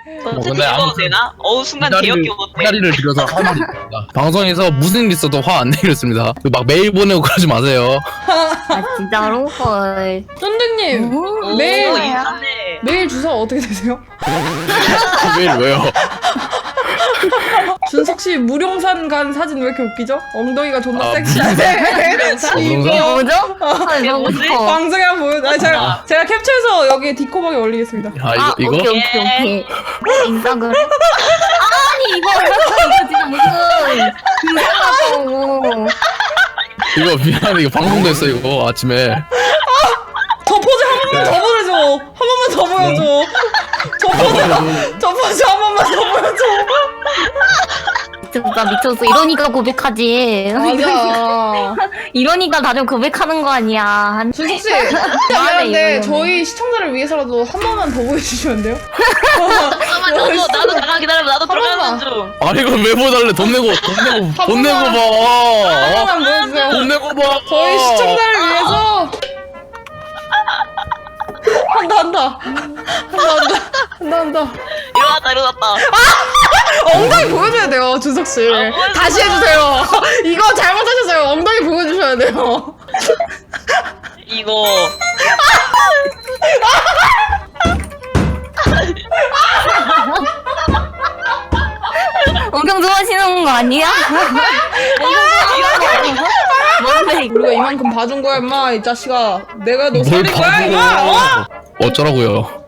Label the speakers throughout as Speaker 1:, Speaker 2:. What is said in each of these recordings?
Speaker 1: 근데
Speaker 2: 읽어도 되나? 순간 개역겨웠대.
Speaker 1: 기다리를 드려서 할 말이 있습니다. 방송에서 무슨 일 있어도 화 안 내겠습니다. 막 메일 보내고 그러지 마세요.
Speaker 3: 아 진짜로? 헐.
Speaker 4: 쫀득님
Speaker 2: 오,
Speaker 4: 메일
Speaker 2: 인사네.
Speaker 4: 메일 주소 어떻게 되세요?
Speaker 1: 메일 왜요?
Speaker 4: 준석 씨 무룡산 간 사진 왜 이렇게 웃기죠? 엉덩이가 존나
Speaker 1: 아,
Speaker 4: 섹시한데.
Speaker 1: 무룡산?
Speaker 3: 이게 뭐죠? 아
Speaker 2: 이게
Speaker 3: 너무
Speaker 2: 뭐지?
Speaker 3: 싶어.
Speaker 4: 방송에 한번 보여. 제가 캡처해서 여기 디코방에 올리겠습니다.
Speaker 1: 아 이거?
Speaker 3: 오케이 오케이. 인스타그램. 아니 이거 진짜 무슨 이상하다고.
Speaker 1: 이거 미안해 이거 방송됐어 이거 아침에.
Speaker 4: 저 포즈 한 번만 더 보여줘. 한 번만 더 보여줘. 저 포즈 한 번만 더 보여줘.
Speaker 3: 진짜 미쳤어. 이러니까 고백하지.
Speaker 4: 맞아.
Speaker 3: 이러니까 다들 고백하는 거 아니야.
Speaker 4: 준석 씨,
Speaker 3: 그만해,
Speaker 4: 미안한데
Speaker 3: 이거는.
Speaker 4: 저희 시청자를 위해서라도 한 번만 더 보여주시면 안 돼요?
Speaker 2: 잠깐만 나도 잠깐 기다려봐. 나도 들어가는 중.
Speaker 1: 아니 이거 왜 보달래? 돈 내고
Speaker 4: 한
Speaker 1: 봐.
Speaker 4: 번만 보여주세요.
Speaker 1: 돈 내고 봐.
Speaker 4: 저희 시청자를 위해서 한다.
Speaker 2: 일어났다.
Speaker 4: 엉덩이 보여줘야 돼요, 준석 씨.
Speaker 2: 보여줘.
Speaker 4: 다시 해주세요. 이거 잘못하셨어요. 엉덩이 보여주셔야 돼요.
Speaker 2: 이거
Speaker 3: 엄청 좋아하시는 거 아니야? 뭔데 이거?
Speaker 4: 우리가 이만큼 봐준 거야, 임마. 이 자식아. 내가 너
Speaker 1: 뭘
Speaker 4: 살린 거야, 임마. 어?
Speaker 1: 어쩌라고요?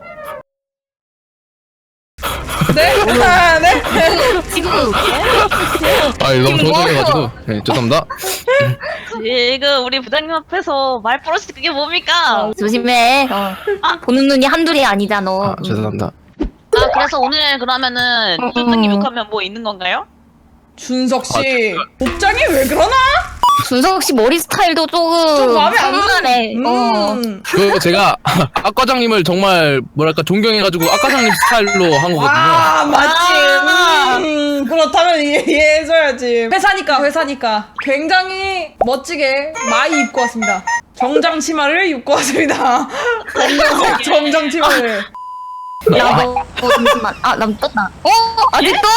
Speaker 4: 네? 네?
Speaker 3: 지금
Speaker 1: 아 이거 너무
Speaker 3: 지금
Speaker 1: 조정해가지고. 네, 죄송합니다.
Speaker 2: 지금 우리 부장님 앞에서 말 버릇이 그게 뭡니까?
Speaker 3: 조심해. 보는 눈이 한둘이 아니잖아.
Speaker 1: 아 죄송합니다.
Speaker 2: 그래서 오늘 그러면은 쫀득님 욕하면 뭐 있는 건가요?
Speaker 4: 준석 씨. 복장이 왜 그러나?
Speaker 3: 준석 씨 머리 스타일도 조금
Speaker 4: 좀 마음에 안
Speaker 3: 장난해.
Speaker 1: 그 제가 악 과장님을 정말 뭐랄까 존경해가지고 악 과장님 스타일로 한 거거든요.
Speaker 4: 아, 맞지. 그렇다면 이해해줘야지. 회사니까. 굉장히 멋지게 많이 입고 왔습니다. 정장 치마를 입고 왔습니다. 검정색 정장 치마를.
Speaker 3: 야, 너 잠시만. 남 떴다. 아직도?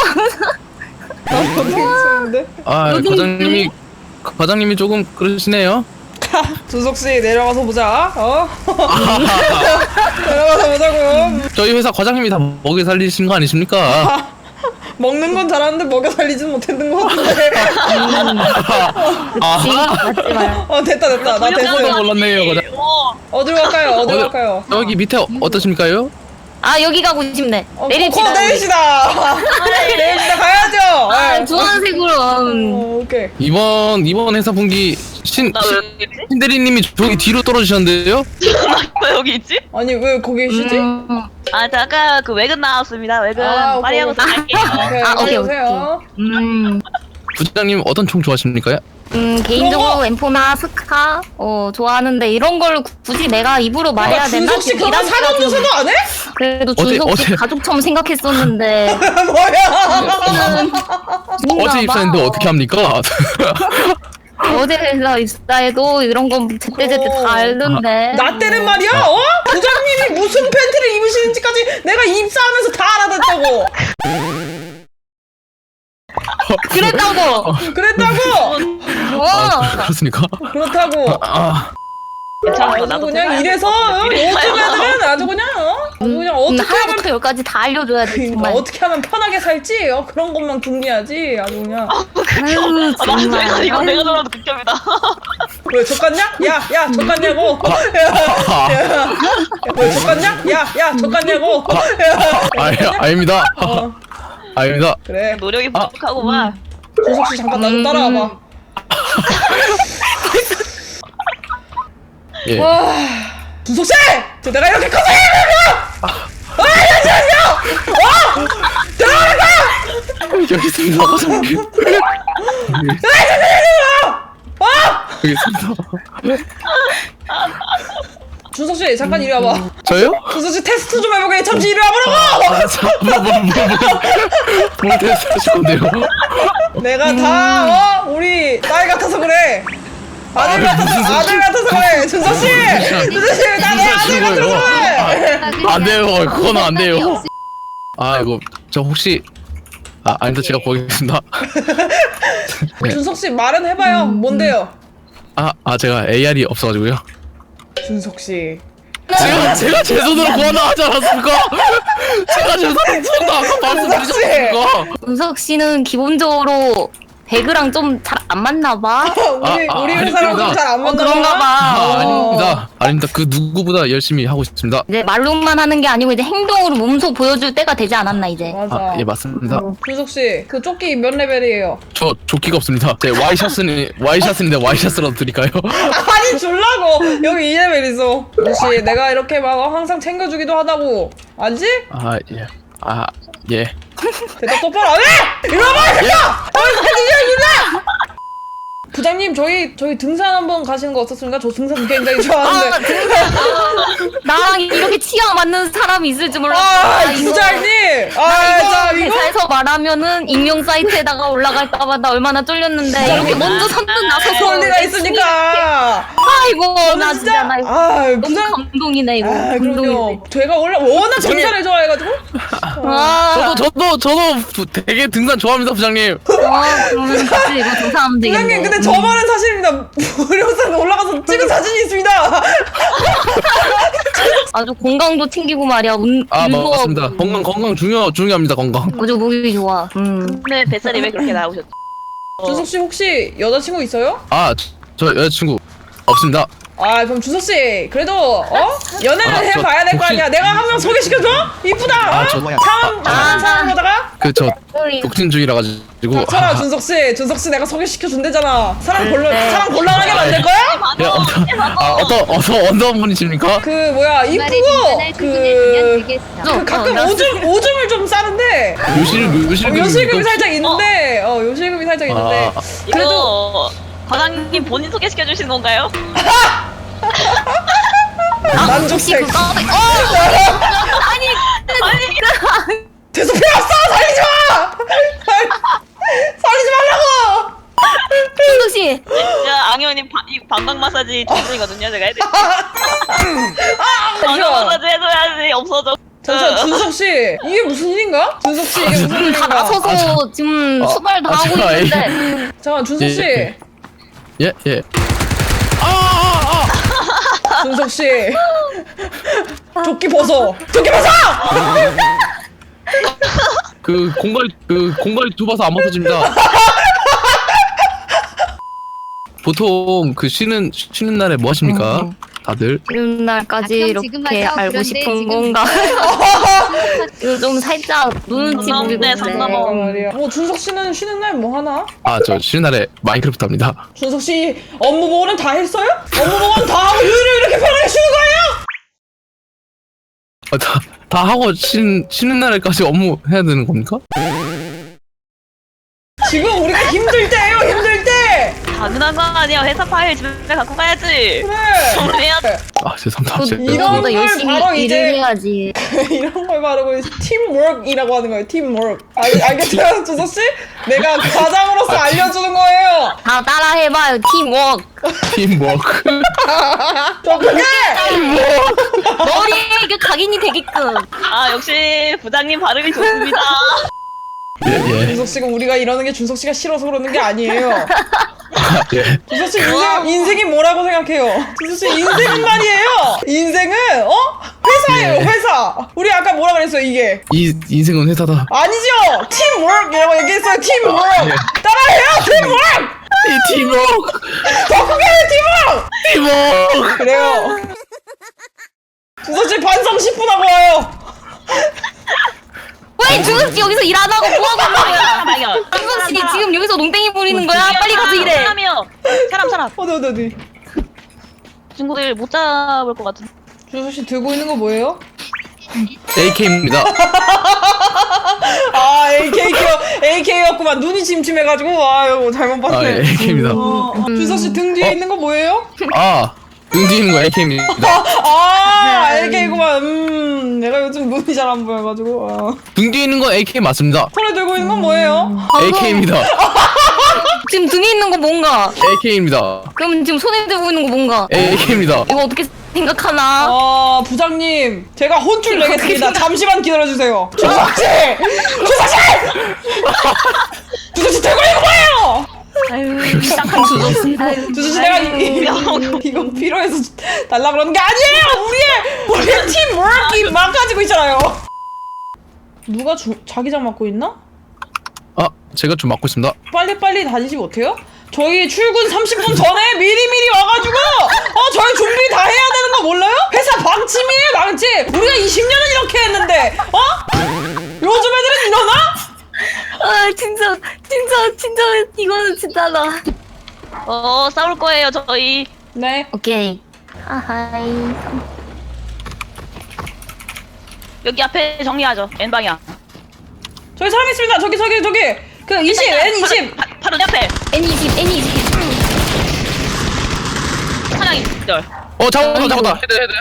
Speaker 4: 괜찮은데?
Speaker 1: 아
Speaker 3: 여기
Speaker 1: 과장님이 조금 그러시네요.
Speaker 4: 준석 씨 내려가서 보자. 내려가서 보자고.
Speaker 1: 저희 회사 과장님이 다 먹여 살리신 거 아니십니까?
Speaker 4: 먹는 건 잘하는데 먹여 살리진 못했는 것 같은데.
Speaker 3: 맞지 마요.
Speaker 4: 됐다. 나
Speaker 1: 깜짝
Speaker 4: 됐어요.
Speaker 1: 놀랐네요, 과장.
Speaker 4: 어디로 갈까요?
Speaker 1: 여기 밑에 어떠십니까요?
Speaker 3: 여기 가고 싶네. 내립시다.
Speaker 4: 내립시다. 가야죠.
Speaker 3: 주황색으로.
Speaker 4: 오케이.
Speaker 1: 이번 회사 분기
Speaker 2: 나 왜 여기 있지?
Speaker 1: 신대리님이 저기 뒤로 떨어지셨는데요?
Speaker 2: 왜 여기 있지?
Speaker 4: 아니 왜 거기 계시지?
Speaker 2: 잠깐 그 외근 나왔습니다. 외근
Speaker 4: 오케이,
Speaker 2: 빨리 하고
Speaker 4: 오케이.
Speaker 2: 갈게요.
Speaker 3: 오케이,
Speaker 4: 오세요.
Speaker 1: 부장님 어떤 총 좋아하십니까?
Speaker 3: 개인적으로 엠포나 스카 좋아하는데 이런 걸 굳이 내가 입으로 말해야 되나?
Speaker 4: 준석 씨 그런 사전조사도 안 해?
Speaker 3: 그래도
Speaker 1: 어제-
Speaker 3: 준석 씨
Speaker 1: 어제-
Speaker 3: 가족처럼 생각했었는데
Speaker 4: 뭐야?
Speaker 1: 어제 입사했는데 어떻게 합니까?
Speaker 3: 어제 회사 입사해도 이런 건 제때제때 다 알던데.
Speaker 4: 나 때는 말이야. 부장님이 무슨 팬티를 입으시는지까지 내가 입사하면서 다 알아듣다고.
Speaker 3: 그랬다고.
Speaker 1: 그렇습니까?
Speaker 4: 그렇다고.
Speaker 2: 괜찮아.
Speaker 4: 아주
Speaker 2: 나도
Speaker 4: 그냥
Speaker 2: 생각해.
Speaker 4: 이래서 요즘 애들은 아주 그냥 어떻게 하면
Speaker 3: 하나부터 열까지 다 알려줘야 돼 정말.
Speaker 4: 어떻게 하면 편하게 살지 그런 것만 궁리하지 아주 그냥.
Speaker 3: 아유 정말.
Speaker 2: 이거 내가 들어도 극혐이다.
Speaker 4: 왜 족같냐? 야 족같냐고. 왜 족같냐? 야 족같냐고.
Speaker 1: 아닙니다. 아닙니다.
Speaker 4: 그래.
Speaker 2: 노력이 부족하고만.
Speaker 4: 준석 씨 잠깐 나 좀 따라와봐.
Speaker 1: 예.
Speaker 4: 와, 준석 씨! 저 내가 이렇게 커서
Speaker 1: 여기 있습니다, 과장님. 여기 있습니다.
Speaker 4: 준석 씨 잠깐 이리 와봐.
Speaker 1: 저요?
Speaker 4: 준석 씨 테스트 좀 해보게. 잠시 이리 와보라고.
Speaker 1: 뭘 테스트하실 건데요?
Speaker 4: 내가 다 우리 딸 같아서 그래. 아들 같아서 그래. 준석 씨, 나 내 아들 같아서 그래.
Speaker 1: 안 돼요, 그거는 안 돼요. 아 이거 저 혹시 아니다 제가 보겠습니다. 네.
Speaker 4: 준석 씨 말은 해봐요. 뭔데요?
Speaker 1: 제가 AR이 없어가지고요.
Speaker 4: 준석 씨.
Speaker 1: 제가 제 손으로 구한다 하지 않았습니까? 제가 제 손으로 구한다 아까 말씀드리지 않았습니까?
Speaker 3: 은석 씨는 기본적으로 배그랑 좀 잘 안 맞나 봐.
Speaker 4: 우리
Speaker 1: 아니,
Speaker 4: 회사랑 좀 잘 안 맞나
Speaker 3: 그런가 봐.
Speaker 1: 아닙니다. 그 누구보다 열심히 하고 있습니다.
Speaker 3: 이제 말로만 하는 게 아니고 이제 행동으로 몸소 보여줄 때가 되지 않았나 이제.
Speaker 4: 맞아.
Speaker 1: 예 맞습니다.
Speaker 4: 준석 씨, 그 조끼 몇 레벨이에요?
Speaker 1: 저 조끼가 없습니다. 제 와이셔츠인데 와이셔츠라도 드릴까요?
Speaker 4: 아니 줄라고 여기 2레벨 있어. 준씨 내가 이렇게 막 항상 챙겨주기도 하다고 알지?
Speaker 1: 예.
Speaker 4: 대답 똑바로 안 해! 이리 와봐! 새끼야! 이리 부장님 저희 등산 한번 가시는 거 어떻습니까? 저 등산 굉장히 좋아하는데.
Speaker 3: 나랑 이렇게 치아 맞는 사람이 있을 줄 몰랐어.
Speaker 4: 부장님!
Speaker 3: 나
Speaker 4: 이거?
Speaker 3: 회사에서 말하면은 익명 사이트에다가 올라갈까봐 나 얼마나 쫄렸는데 이렇게 먼저 선뜻 나서서
Speaker 4: 그럴 리가 있으니까.
Speaker 3: 아이고 나 진짜 나 이거 너무
Speaker 4: 부장.
Speaker 3: 감동이네 이거.
Speaker 4: 그럼요.
Speaker 3: 감동이네.
Speaker 4: 제가 원래 워낙 등산을 좋아해가지고.
Speaker 1: 저도 되게 등산 좋아합니다, 부장님.
Speaker 3: 그러면 같이 이거 조사하면 되겠네.
Speaker 4: 부장님 근데 저 말은 사실입니다. 무료산 올라가서 찍은 사진이 있습니다.
Speaker 3: 아주 건강도 챙기고 말이야.
Speaker 1: 맞습니다. 건강 중요합니다, 건강.
Speaker 3: 아주 목이 좋아.
Speaker 2: 네, 뱃살이 왜 그렇게 나오셨죠?
Speaker 4: 준석 씨 혹시 여자친구 있어요?
Speaker 1: 저 여자친구 없습니다.
Speaker 4: 그럼 준석 씨 그래도 연애는 해봐야 될 거
Speaker 1: 혹시-
Speaker 4: 아니야. 내가 한 명 소개시켜줘? 이쁘다. 사랑하다가
Speaker 1: 저 독신주의라 가지고.
Speaker 4: 닥쳐라 준석 씨 내가 소개시켜준대잖아. 사랑
Speaker 3: 네.
Speaker 4: 곤란하게 만들 거야?
Speaker 1: 어떤 분이십니까?
Speaker 4: 그 뭐야 이쁘고 가끔 오줌을 좀 싸는데 요실금이 살짝 있는데 요실금이 살짝 있는데
Speaker 2: 그래도 과장님 본인 소개시켜 주시는 건가요?
Speaker 4: 만족색.
Speaker 3: 아니
Speaker 4: 대소 필요 없어. 살리지 마. 살리지 말라고.
Speaker 3: 준석 씨.
Speaker 2: 앙현님 방광 마사지 전문이거든요. 제가 해드릴게요. 방광 마사지 해줘야지 없어져.
Speaker 4: 잠시만 준석 씨 이게 무슨 일인가? 준석 씨 이게 무슨
Speaker 3: 다
Speaker 4: 일인가?
Speaker 3: 나서서 지금 수발 다 하고
Speaker 1: 제가
Speaker 3: 있는데.
Speaker 4: 잠깐 준석 씨.
Speaker 1: 예.
Speaker 4: 준석 씨. 조끼 벗어.
Speaker 1: 그 공갈이 좁아서 안 벗어집니다. 보통 그 쉬는 날에 뭐 하십니까? 다들?
Speaker 3: 쉬는 날까지 이렇게 알고 싶은 건가? 이거 좀 살짝 눈치 보이고
Speaker 2: 상남대.
Speaker 4: 말이야. 준석 씨는 쉬는 날 뭐 하나?
Speaker 1: 저 쉬는 날에 마인크래프트 합니다.
Speaker 4: 준석 씨 업무 보고는 다 했어요? 업무 보고는 다 하고 휴일을 이렇게 편하게 쉬는 거예요?
Speaker 1: 다 하고 쉬는 날에까지 업무 해야 되는 겁니까?
Speaker 4: 지금 우리가 힘들 때예요. 힘들 때.
Speaker 2: 당연한 거 아니야. 회사 파일 집에 갖고 가야지.
Speaker 4: 그래.
Speaker 2: 정리해야지.
Speaker 1: 죄송합니다.
Speaker 4: 이런 걸
Speaker 3: 열심히
Speaker 4: 바로
Speaker 3: 일을
Speaker 4: 이제-
Speaker 3: 해야지.
Speaker 4: 이런 걸 바르고 팀워크이라고 하는 거예요. 팀워크. 알겠어요, 준석 씨? 내가 과장으로서 알려주는 거예요.
Speaker 3: 다 따라해봐요. 팀워크.
Speaker 1: 팀워크.
Speaker 4: 어떡해?
Speaker 3: 머리에 이게 각인이 되게끔.
Speaker 2: 역시 부장님 발음이 좋습니다.
Speaker 1: 예.
Speaker 4: 준석 씨가 우리가 이러는 게 준석 씨가 싫어서 그러는 게 아니에요.
Speaker 1: 예.
Speaker 4: 준석 씨 인생이 뭐라고 생각해요? 준석 씨 인생은 말이에요. 인생은 회사예요. 회사. 우리 아까 뭐라 그랬어요? 이게
Speaker 1: 이 인생은 회사다.
Speaker 4: 아니죠. 팀워크이라고 얘기했어요. 팀워크. 따라해요. 팀워크.
Speaker 1: 이 팀워크.
Speaker 4: 더 크게 해. 팀워크. 그래요. 준석 씨 반성 10분 하고 와요.
Speaker 3: 왜 준석 씨 여기서 일 안 하고 뭐 하고 있는 거야?
Speaker 2: 발견.
Speaker 3: 준석 씨 지금 여기서 농땡이 부리는 거야? 빨리 가서 일해.
Speaker 2: 사람.
Speaker 4: 어디.
Speaker 2: 친구들 못 잡을 것 같은.
Speaker 4: 준석 씨 들고 있는 거 뭐예요?
Speaker 1: AK입니다.
Speaker 4: AK였구만. 눈이 침침해가지고 아유 잘못 봤네.
Speaker 1: AK입니다.
Speaker 4: 준석 씨 등 뒤에 있는 거 뭐예요?
Speaker 1: 등 뒤에 있는 거 AK입니다.
Speaker 4: AK구만. 내가 요즘 눈이 잘 안 보여가지고.
Speaker 1: 등 뒤에 있는 건 AK 맞습니다.
Speaker 4: 손에 들고 있는 건 뭐예요?
Speaker 1: AK입니다.
Speaker 3: 지금 등에 있는 거 뭔가?
Speaker 1: AK입니다.
Speaker 3: 그럼 지금 손에 들고 있는 거 뭔가?
Speaker 1: AK입니다.
Speaker 3: 이거 어떻게 생각하나?
Speaker 4: 부장님 제가 혼쭐 내겠습니다. 잠시만 기다려주세요. 주석씨! 주석씨 들고 이거 뭐예요?
Speaker 3: 아유 딱한 주접씨.
Speaker 4: 주석씨 내가 이거 필요해서 달라 그러는 게 아니에요. 우리의 팀워크이 망가지고 있잖아요. 누가 자기장 맡고 있나?
Speaker 1: 제가 좀 맡고 있습니다.
Speaker 4: 빨리빨리 다니시면 어때요? 저희 출근 30분 전에 미리미리 와가지고 저희 준비 다 해야 되는 거 몰라요? 회사 방침이에요 방침. 우리가 20년은 이렇게 했는데 요즘 애들은 이러나?
Speaker 3: 아 진짜 이거는 진짜다.
Speaker 2: 싸울 거예요 저희.
Speaker 4: 네.
Speaker 3: 오케이. 아하이.
Speaker 2: 여기 앞에 정리하죠. N 방향.
Speaker 4: 저기 사람 있습니다. 저기 그 20 N20
Speaker 2: 바로 내 앞에.
Speaker 3: N20.
Speaker 2: 사냥이 기절.
Speaker 1: 잡았다. 헤드.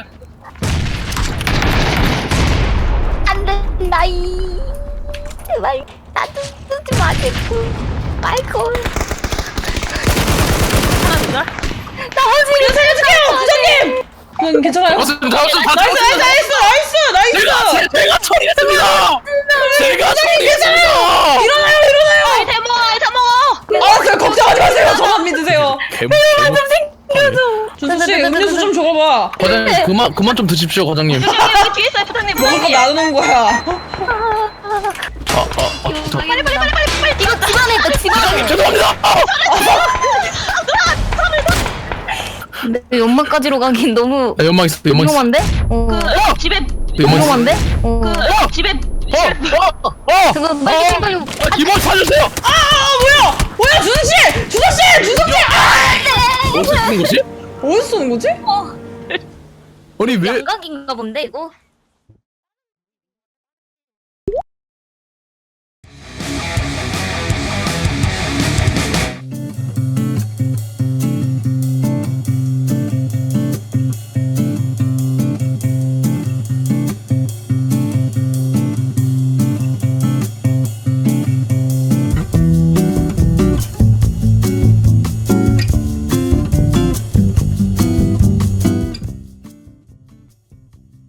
Speaker 3: 안 된다 이. 제발 나도 쓰지 마시고. 마이콜.
Speaker 2: 하나 기절.
Speaker 3: 나머지를
Speaker 4: 살려줄게요 부장님. 괜찮아요? 나이스.
Speaker 1: 제가 처리했습니다. 제가 처리했습니다.
Speaker 4: 일어나요.
Speaker 2: 아이템 먹어.
Speaker 4: 그냥 걱정하지 마세요. 저만 믿으세요.
Speaker 1: 좀
Speaker 4: 준수씨 음료수 좀 줘봐.
Speaker 1: 과장님 그만 좀 드십시오 과장님.
Speaker 2: 여기 뒤에 있어요 부장님.
Speaker 4: 먹을 거 나누는 거야.
Speaker 2: 빨리.
Speaker 3: 이거 집안에 있다 집안에.
Speaker 1: 죄송합니다.
Speaker 3: 근데 연막까지로 가긴 너무
Speaker 1: 연막 있어.
Speaker 3: 위험한데?
Speaker 2: 그 집에
Speaker 3: 위험한데?
Speaker 2: 그 집에
Speaker 3: 그거 빨리 챙겨요.
Speaker 1: 이번 사주세요.
Speaker 4: 뭐야 준수씨.
Speaker 1: 어디서 쓰는 거지?
Speaker 4: 어디서 쏘는 거지?
Speaker 1: 아니 왜?
Speaker 3: 양각인가 본데 이거?